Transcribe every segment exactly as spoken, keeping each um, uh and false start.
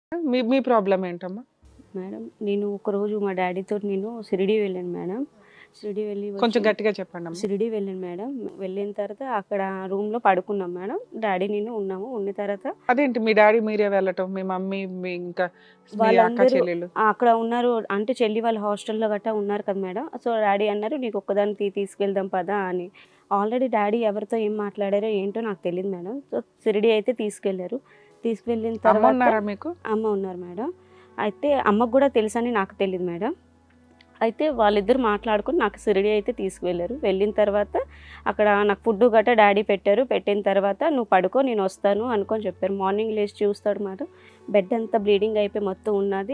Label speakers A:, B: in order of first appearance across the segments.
A: మీ మీ problem ఏంటమ్మా?
B: Madam నేను ఒకరోజు మా డాడీతో నేను షిరిడి వెళ్ళాను మేడం. షిరిడి వెళ్ళి
A: కొంచెం
B: వచ్చి
A: గట్టిగా చెప్పండమ్మా.
B: షిరిడి వెళ్ళాను మేడం. వెళ్ళిన తర్వాత అక్కడ రూమ్‌లో పడుకున్నాం మేడం. డాడీ నేను ఉన్నాము. ఉన్న తర్వాత
A: అదేంటి మీ డాడీ మీరే వెళ్ళటం, మీ మమ్మీ మీ ఇంకా మీ అక్క
B: వాళ్ళందరూ
A: చెల్లెళ్ళు?
B: ఆ! అక్కడ ఉన్నారు. అంటే చెల్లి వాళ్ళు హాస్టల్‌లో గట్టా ఉన్నారు కదా మేడం. సో, డాడీ అన్నారు నీకు ఒక్కదానికి తీసుకెళ్దాం పదా అని. ఆల్రెడీ డాడీ ఎవరితో ఏం మాట్లాడారో ఏంటో నాకు తెలీదు మేడం. సో, షిరిడి అయితే తీసుకెళ్లారు. తీసుకెళ్ళిన
A: అమ్మ
B: తర్వాత
A: ఉన్నారా మీకు?
B: అమ్మ ఉన్నారు మేడం. అయితే అమ్మకు కూడా తెలుసని నాకు తెలీదు మేడం. అయితే వాళ్ళిద్దరు మాట్లాడుకొని నాకు షిరిడి అయితే తీసుకువెళ్ళారు. వెళ్ళిన తర్వాత అక్కడ నాకు ఫుడ్ గట్రా డాడీ పెట్టారు. పెట్టిన తర్వాత నువ్వు పడుకో నేను వస్తాను అనుకొని చెప్పారు. మార్నింగ్ లేచి చూస్తాడు మేడం. బెడ్ అంతా బ్లీడింగ్ అయిపోయి మొత్తం ఉన్నది.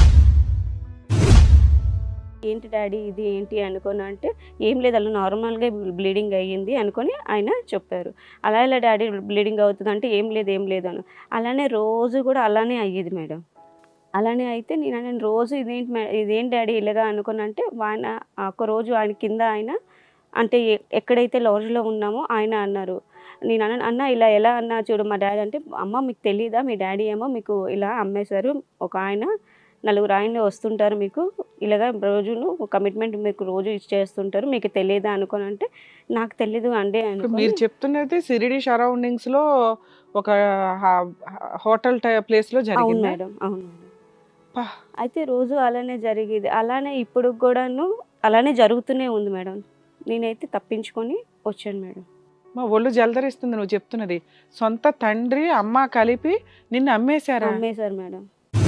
B: ఏంటి డాడీ ఇది ఏంటి అనుకొని అంటే ఏం లేదు అలా నార్మల్గా బ్లీడింగ్ అయ్యింది అనుకొని ఆయన చెప్పారు. అలా ఇలా డాడీ బ్లీడింగ్ అవుతుంది అంటే ఏం లేదు ఏం లేదు అని. అలానే రోజు కూడా అలానే అయ్యేది మేడం. అలానే అయితే నేను నేను రోజు ఇదేంటి మే ఇదేంటి డాడీ ఇలాగా అనుకుని అంటే ఆయన ఒకరోజు ఆయన కింద ఆయన అంటే ఎ- ఎక్కడైతే లాడ్జ్లో ఉన్నామో ఆయన అన్నారు. నేను అన్న అన్న ఇలా ఎలా అన్నా చూడు మా డాడీ అంటే అమ్మ మీకు తెలీదా మీ డాడీ ఏమో మీకు ఇలా అమ్మేశారు ఒక ఆయన నలుగురు ఆయన వస్తుంటారు మీకు ఇలాగా రోజును కమిట్మెంట్ మీకు రోజు ఇచ్చేస్తుంటారు మీకు తెలియదా అనుకొని అంటే నాకు తెలీదు అండి
A: ఇప్పుడు
B: అనుకొని
A: మీరు చెప్తున్నది సిరిడి సరౌండింగ్స్ లో ఒక హోటల్ ప్లేస్ లో
B: అవును
A: జరిగింది.
B: మేడం అవును మేడం అయితే రోజు అలానే జరిగేది. అలానే ఇప్పుడు కూడాను అలానే జరుగుతూనే ఉంది మేడం. నేనైతే తప్పించుకొని వచ్చాను మేడం.
A: మా ఒళ్ళు జలదరిస్తుంది నువ్వు చెప్తున్నది. సొంత తండ్రి అమ్మ కలిపి నిన్ను అమ్మేశారా?
B: అమ్మేశారు మేడం.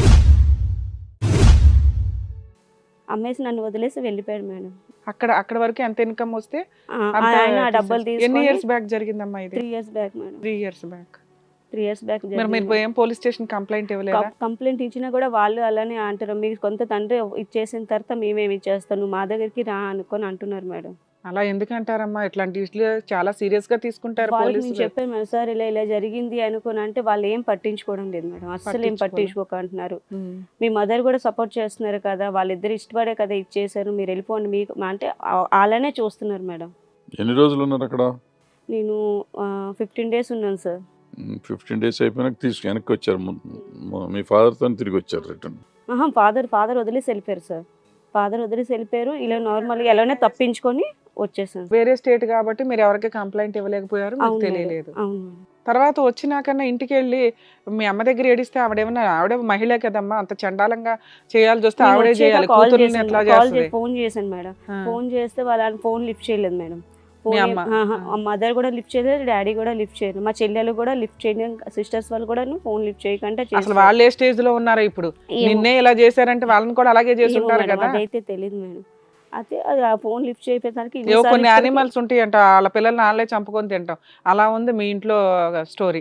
B: అమ్మేసి నన్ను వదిలేసి వెళ్ళిపోయాడు మేడం.
A: అక్కడ అక్కడ వరకు ఎంత ఇన్కమ్ వస్తే
B: ఆ,
A: అంత
B: ఆయన ఆ డబ్బులు
A: తీసేసి- ఎన్ని
B: తీసుకొని
A: ఇయర్స్ బ్యాక్ జరిగిందమ్మా ఇది?
B: Three years back madam.
A: Three years back.
B: Three years back
A: మరి మీరు ఏం పోలీస్ స్టేషన్ కంప్లైంట్ ఇవ్వలేదా?
B: కంప్లైంట్ ఇచ్చినా కూడా వాళ్ళు అలానే అంటారు మీకు కొంత తండ్రి ఇచ్చేసిన తర్వాత మేమేమి ఇచ్చేస్తాం నువ్వు మా దగ్గరికి రా అనుకొని అంటున్నారు మేడం.
A: అలా ఎందుకంటారమ్మా? ఇట్లాంటి ఇట్లు చాలా సీరియస్ గా తీసుకుంటారు
B: వాళ్ళకి నేను
A: పోలీసులు.
B: చెప్పాను మేడం సార్ ఇలా ఇలా జరిగింది అనుకుని అంటే వాళ్ళు ఏం పట్టించుకోవడం లేదు మేడం. అస్సలు ఏం పట్టించుకోక అంటున్నారు.
A: ఉమ్.
B: మీ మదర్ కూడా సపోర్ట్ చేస్తున్నారు కదా వాళ్ళిద్దరు ఇష్టపడే కదా ఇచ్చేసారు మీరు వెళ్ళిపోండి మీకు అంటే ఆ- అలానే చూస్తున్నారు మేడం.
C: ఎన్ని రోజులు ఉన్నారు అక్కడ?
B: నేను ఫిఫ్టీన్ డేస్ ఉన్నాను సార్.
C: ఫిఫ్టీన్ డేస్ అయిపోయినాక తీసుకు వెనక్కి వచ్చారు. ము- ము- మీ ఫాదర్తో తిరిగి వచ్చారు రిటర్న్.
B: ఆహా ఫాదర్ ఫాదర్ వదిలేసి వెళ్ళిపోయారు సార్. ఫాదర్ వదిలేసి వెళ్ళిపోయారు ఇలా నార్మల్గా ఎలానే తప్పించుకొని వచ్చేసాను.
A: వేరే స్టేట్ కాబట్టి మీరు ఎవరికి కంప్లైంట్ ఇవ్వలేకపోయారు, మీకు
B: అవును మేడం.
A: తెలియలేదు.
B: అవును మేడం.
A: తర్వాత వచ్చినాకన్నా ఇంటికి వెళ్ళి మీ అమ్మ దగ్గర ఏడిస్తే ఆవిడేమన్నా ఆవిడ మహిళ కదమ్మా, అంత చండాలంగా చేయాల్సి వస్తే
B: నేను
A: ఆవిడే
B: వచ్చాక
A: చేయాలి.
B: కాల్
A: కూతుర్ని
B: చేశాను
A: ఎట్లా
B: కాల్
A: చేస్తుంది?
B: చేసి ఫోన్ చేశాను మేడం.
A: ఆ.
B: ఫోన్ చేస్తే వాళ్ళ ఫోన్ లిఫ్ట్ చేయలేదు మేడం.
A: మీ
B: ఫోన్
A: అమ్మ?
B: మదర్ కూడా లిఫ్ట్ చేయలేదు డాడీ కూడా లిఫ్ట్ చేయలేదు మా చెల్లెలు కూడా లిఫ్ట్ చేయలేదు సిస్టర్స్ వాళ్ళు కూడా ఫోన్ లిఫ్ట్ చేయకుండా
A: అసలు
B: చేశారు.
A: వాళ్ళు ఏ స్టేజ్ లో ఉన్నారో ఇప్పుడు?
B: ఏమో-
A: నిన్నే ఇలా చేశారంటే వాళ్ళని కూడా అలాగే చేసి
B: ఏమో
A: ఉంటారు
B: మేడం,
A: కదా.
B: అదైతే తెలియదు మేడం. అయితే అది ఆ ఫోన్ లిఫ్ట్ చేయడానికి
A: ఏవో
B: ఇన్నిసార్లు
A: కొన్ని
B: ఇప్పటికీ-
A: యానిమల్స్ ఉంటాయంట, వాళ్ళ పిల్లల్ని వాళ్ళే చంపుకొని తింటాం. అలా ఉంది మీ ఇంట్లో స్టోరీ.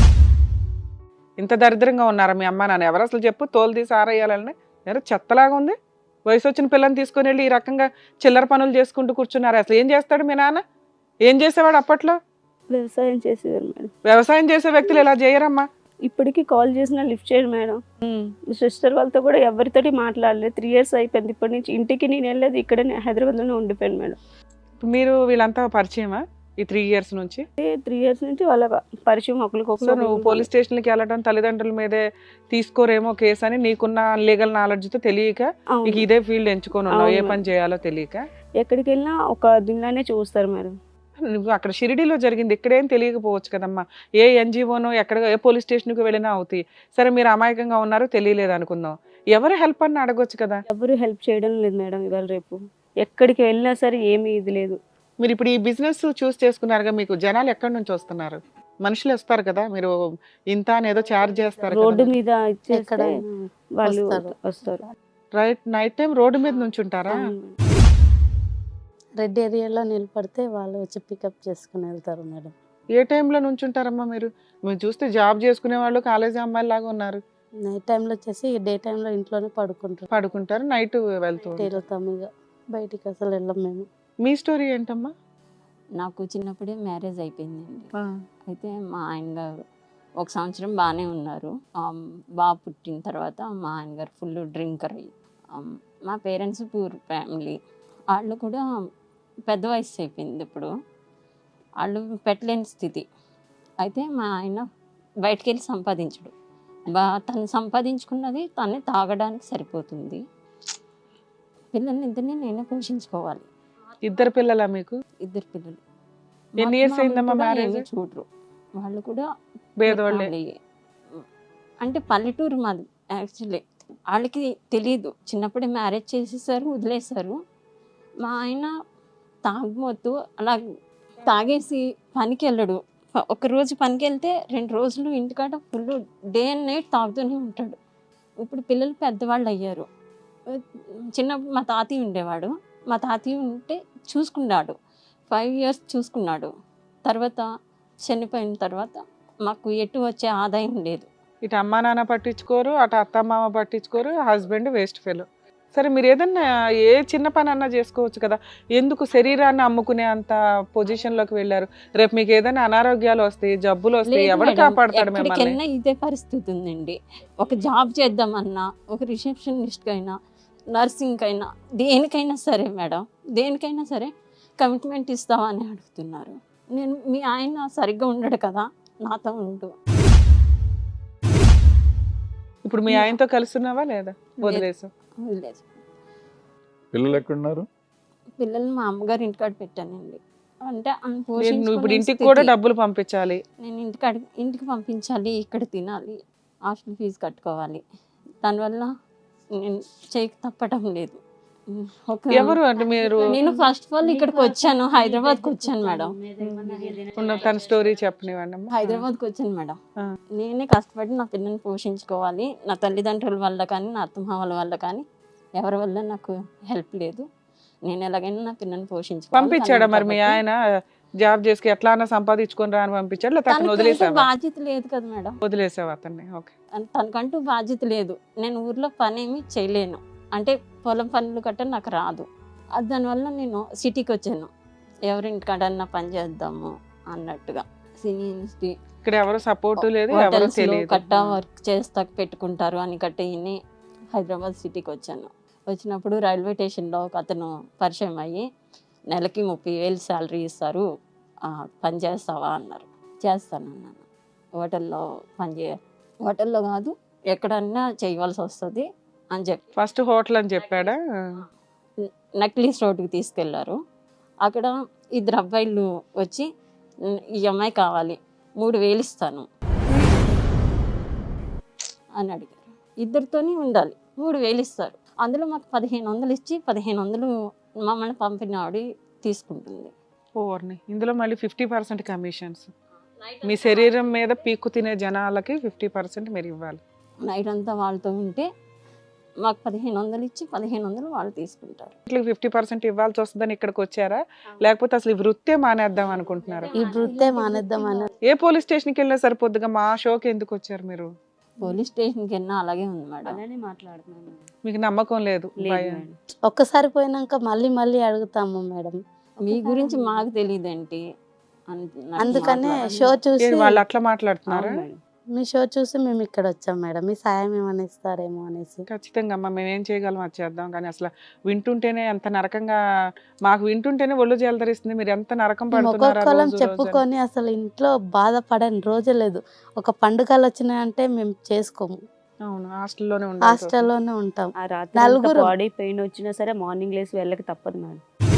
A: ఇంత దరిద్రంగా ఉన్నారా మీ అమ్మ నాన్న? ఎవరు అసలు చెప్పు, తోలు తీసి ఆరేయాలని? ఎవరు చెత్తలాగా ఉంది. వయసు వచ్చిన పిల్లని తీసుకొని వెళ్ళి ఈ రకంగా చిల్లర పనులు చేసుకుంటూ కూర్చున్నారు. అసలు ఏం చేస్తాడు మీ నాన్న? ఏం చేసేవాడు అప్పట్లో?
B: వ్యవసాయం చేసేవారు మేడం.
A: వ్యవసాయం చేసే వ్యక్తులు ఇలా చేయరమ్మా.
B: ఇప్పటికీ కాల్ చేసినా లిఫ్ట్ చేయరు మేడం. సిస్టర్ వాళ్ళతో కూడా ఎవరితోటి మాట్లాడలేదు. త్రీ ఇయర్స్ అయిపోయింది. ఇప్పటి నుంచి ఇంటికి నేను వెళ్ళలేదు. ఇక్కడ హైదరాబాద్లోనే ఉండిపోయాను మేడం.
A: మీరు వీళ్ళంతా పరిచయమా ఈ త్రీ ఇయర్స్ నుంచి?
B: త్రీ ఇయర్స్ నుంచి వాళ్ళ పరిచయం
A: సో
B: ఒకరికొకరు.
A: నువ్వు పోలీస్ స్టేషన్కి వెళ్ళడం తల్లిదండ్రుల మీదే తీసుకోరేమో కేసు అని నీకున్న లీగల్ నాలెడ్జ్తో తెలియక
B: అవును.
A: నీకు ఇదే ఫీల్డ్ ఎంచుకొని ఉన్నావు, ఏ
B: అవును.
A: పని చేయాలో తెలియక.
B: ఎక్కడికి వెళ్ళినా ఒక దీనిలోనే చూస్తారు మేడం.
A: నువ్వు అక్కడ షిరిడీలో జరిగింది, ఇక్కడేం తెలియకపోవచ్చు కదమ్మా. ఏ ఎన్జిఓనో ఎక్కడ ఏ పోలీస్ స్టేషన్కి వెళ్ళినా అవుతాయి. సరే మీరు అమాయకంగా ఉన్నారు, తెలియలేదు అనుకుందాం. ఎవరు హెల్ప్ అని అడగొచ్చు కదా.
B: ఎవరు హెల్ప్ చేయడం లేదు మేడం. ఇవాళ రేపు ఎక్కడికి వెళ్ళినా సరే ఏమీ ఇది లేదు.
A: మీరు ఇప్పుడు ఈ బిజినెస్ చూస్ చేసుకున్నారుగా, మీకు జనాలు ఎక్కడి నుంచి వస్తున్నారు? మనుషులు వస్తారు కదా, మీరు ఇంత అని ఏదో చార్జ్ చేస్తారు
B: రోడ్డు
A: కదా.
B: మీద ఇచ్చేస్తే
D: ఎక్కడైనా
B: వాళ్ళు
D: వస్తారు.
B: వస్తారు.
A: రైట్ నైట్ టైం రోడ్డు మీద నుంచి ఉంటారా?
B: అవును.
D: రెడ్ ఏరియాలో నిలబడితే వాళ్ళు వచ్చి పికప్ చేసుకుని వెళ్తారు మేడం.
A: ఏ టైంలో నుంచి ఉంటారమ్మా మీరు? మీరు చూస్తే జాబ్ చేసుకునే వాళ్ళు కాలేజీ అమ్మాయిలు లాగా ఉన్నారు.
D: నైట్ టైంలో వచ్చేసి డే టైంలో ఇంట్లోనే పడుకుంటారు.
A: పడుకుంటారు, నైట్ వెళ్తూ ఉంటారు.
D: వెళ్తాం ఇక బయటికి అసలు వెళ్ళం మేము.
A: మీ స్టోరీ ఏంటమ్మా?
E: నాకు చిన్నప్పుడే మ్యారేజ్ అయిపోయిందండి.
A: ఆ,
E: అయితే మా ఆయన గారు ఒక సంవత్సరం బాగానే ఉన్నారు. ఆమ్, బాబు పుట్టిన తర్వాత మా ఆయన గారు ఫుల్ డ్రింకర్ అయ్యి ఆమ్, మా పేరెంట్స్ పూర్ ఫ్యామిలీ. వాళ్ళు కూడా పెద్ద వయసు అయిపోయింది ఇప్పుడు. వాళ్ళు పెట్టలేని స్థితి. అయితే మా ఆయన బయటికి వెళ్ళి సంపాదించడు. బా తను సంపాదించుకున్నది తనే తాగడానికి సరిపోతుంది. పిల్లల్ని ఇద్దరిని నేనే పోషించుకోవాలి.
A: ఇద్దరు పిల్లలా మీకు?
E: ఇద్దరు పిల్లలు.
A: ఎన్ని years అయిందమ్మా marriage?
E: చూడరు వాళ్ళు కూడా
A: పేదవాళ్ళే.
E: వాళ్ళే. అంటే పల్లెటూరు మాది యాక్చువల్లీ. వాళ్ళకి తెలియదు, చిన్నప్పుడే మ్యారేజ్ చేసేసారు, వదిలేశారు. మా ఆయన తాగుమోతూ అలా తాగేసి పనికి వెళ్ళడు. ప- ఒక రోజు పనికి వెళ్తే రెండు రోజులు ఇంటికాడ ఫుల్ డే అండ్ నైట్ తాగుతూనే ఉంటాడు. ఇప్పుడు పిల్లలు పెద్దవాళ్ళు అయ్యారు. చిన్నప్పుడు మా తాతయ్య ఉండేవాడు. మా తాతయ్య ఉంటే చూసుకున్నాడు, ఫైవ్ ఇయర్స్ చూసుకున్నాడు. తర్వాత చనిపోయిన తర్వాత మాకు ఎటు వచ్చే ఆదాయం లేదు.
A: ఇటు అమ్మా నాన్న పట్టించుకోరు, అటు అత్త మామ పట్టించుకోరు, హస్బెండ్ వేస్ట్ ఫెలో. సరే మీరు ఏదన్నా ఏ చిన్న పని అన్నా చేసుకోవచ్చు కదా, ఎందుకు శరీరాన్ని అమ్ముకునే అంత పొజిషన్ లోకి వెళ్ళారు? రేపు మీకు ఏదైనా అనారోగ్యాలు వస్తాయి, జబ్బులు వస్తాయి,
E: లేదు
A: ఎవరు
E: మేడం,
A: కాపాడతాడు మిమ్మల్ని?
E: ఎక్కడికెళ్ళినా ఇదే పరిస్థితి ఉందండి. ఒక జాబ్ చేద్దామన్నా, ఒక రిసెప్షనిస్ట్ అయినా, నర్సింగ్ అయినా, దేనికైనా సరే మేడం, దేనికైనా సరే కమిట్మెంట్ ఇస్తావా అని అడుగుతున్నారు. నేను మీ ఆయన సరిగ్గా ఉండడు కదా, నాతో ఉండు.
A: ఇప్పుడు మీ ఆయనతో కలుస్తున్నావా లేదా? వదిలేసు.
E: వదిలేదు.
C: పిల్లలు ఎక్కడున్నారు?
E: పిల్లల్ని మా అమ్మగారు ఇంటికాడ పెట్టానండి. అంటే ఆమె
A: నువ్వు ఇప్పుడు
E: పోషించుకునే
A: ఇంటికి కూడా
E: స్థితి.
A: డబ్బులు పంపించాలి.
E: నేను ఇంటికాడ ఇంటికి పంపించాలి, ఇక్కడ తినాలి, హాస్టల్ ఫీజు కట్టుకోవాలి. దానివల్ల నేను చేయక తప్పటం లేదు. ఒక
A: ఎవరు అంటే మీరు?
E: నేను ఫస్ట్ ఆఫ్ ఆల్ ఇక్కడికి వచ్చాను, హైదరాబాద్కి వచ్చాను మేడం.
A: ఉన్న తన స్టోరీ చెప్పనివ్వండి అమ్మా.
E: హైదరాబాద్కి వచ్చాను మేడం.
A: ఆ.
E: నేనే కష్టపడి నా పిల్లల్ని పోషించుకోవాలి. నా తల్లిదండ్రుల వల్ల కానీ, నా అత్తమామల వల్ల కానీ, ఎవరి వల్ల నాకు హెల్ప్ లేదు. నేను ఎలాగైనా నా పిల్లల్ని పోషించుకోవాలి.
A: పంపించాడా మరి మీ ఆయన? జాబ్ చేసి ఎట్లా అన్నా సంపాదించుకొని రా అని పంపించాడు, లేకపోతే అతను
E: తనకంటూ
A: వదిలేసావా?
E: బాధ్యత లేదు కదా మేడం.
A: వదిలేసావా అతన్ని? ఓకే.
E: అన్- తనకంటూ బాధ్యత లేదు. నేను ఊర్లో పని ఏమి చేయలేను, అంటే పొలం పనులు గట్ట నాకు రాదు. అది దానివల్ల నేను సిటీకి వచ్చాను, ఎవరింటికాడన్నా పని చేద్దాము అన్నట్టుగా. సినీ
A: ఇక్కడ ఎవరు సపోర్ట్ లేదు, ఎవరు తెలియదు.
E: కట్ట వర్క్ చేస్తా పెట్టుకుంటారు అని కట్టేయని హైదరాబాద్ సిటీకి వచ్చాను. వచ్చినప్పుడు రైల్వే స్టేషన్లో ఒక అతను పరిచయం అయ్యి, నెలకి ముప్పై వేలు శాలరీ ఇస్తారు, ఆ, పని చేస్తావా అన్నారు. చేస్తానన్నాను. హోటల్లో పని చేయ హోటల్లో కాదు ఎక్కడన్నా చేయవలసి వస్తుంది అని చెప్పి
A: ఫస్ట్ హోటల్ అని చెప్పాడా?
E: నక్లీస్ రోడ్డుకి తీసుకెళ్లారు. అక్కడ ఇద్దరు అబ్బాయిలు వచ్చి, ఈ అమ్మాయి కావాలి, మూడు వేలు ఇస్తాను అని అడిగారు. ఇద్దరితోనే ఉండాలి, మూడు వేలు ఇస్తారు. అందులో మాకు పదిహేను వందలు ఇచ్చి పదిహేను వందలు మమ్మల్ని పంపిన ఆవిడ తీసుకుంటుంది.
A: ఓవర్ని ఇందులో మళ్ళీ ఫిఫ్టీ పర్సెంట్ కమిషన్స్. మీ శరీరం మీద పీక్కు తినే జనాలకి ఫిఫ్టీ పర్సెంట్ మీరు ఇవ్వాలి.
E: నైట్ అంతా వాళ్ళతో ఉంటే మాకు పదిహేను వందలు ఇచ్చి పదిహేను వందలు వాళ్ళు తీసుకుంటారు.
A: ఇట్లా ఫిఫ్టీ పర్సెంట్ ఇవ్వాల్సి వస్తుందని ఇక్కడికి వచ్చారా, లేకపోతే అసలు ఈ వృత్తే మానేద్దాం అనుకుంటున్నారా?
D: ఈ వృత్తే మానేద్దామని.
A: ఏ పోలీస్ స్టేషన్కి వెళ్ళినా సరిపోద్దుగా, మా షోకి ఎందుకు వచ్చారు మీరు?
E: పోలీస్ స్టేషన్కి వెళ్ళినా అలాగే ఉంది మేడం.
B: అలానే మాట్లాడుతున్నాను.
A: మీకు నమ్మకం లేదు?
B: లేదు
A: భయం.
B: మేడం.
D: ఒక్కసారి పోయినాక మళ్ళీ మళ్ళీ అడుగుతాము మేడం.
E: మీ గురించి మాకు తెలియదేంటి అని నాకు
D: అందుకనే
E: మాట్లాడాలి.
D: షో చూసి
A: ఏంటి వాళ్ళు అట్లా మాట్లాడుతున్నారా?
B: అవును మేడం.
D: మీ షో చూసి మేము ఇక్కడ వచ్చాం మేడం, మీ సాయం ఏమైనా ఇస్తారేమో అనేసి.
A: ఖచ్చితంగా అమ్మా, మేము ఏం చేయగలం అది చేద్దాం. కానీ అసలు వింటుంటేనే ఎంత నరకంగా, మాకు వింటుంటేనే ఒళ్ళు జలదరిస్తుంది. మీరు ఎంత నరకం
D: మేము
A: పడుతున్నారా
D: ఒక్కొక్కరం
A: రోజు రోజు అని.
D: చెప్పుకొని అసలు ఇంట్లో బాధపడని రోజే లేదు. ఒక పండుగలు వచ్చినాయంటే మేము చేసుకోము,
A: అవును, హాస్టల్లోనే ఉండాలి.
D: హాస్టల్లోనే ఉంటాం.
B: ఆ రాత్రి
D: నలుగురు.
B: బాడీ పెయిన్ వచ్చినా సరే మార్నింగ్ లేసి వెళ్ళక తప్పదు మేడం.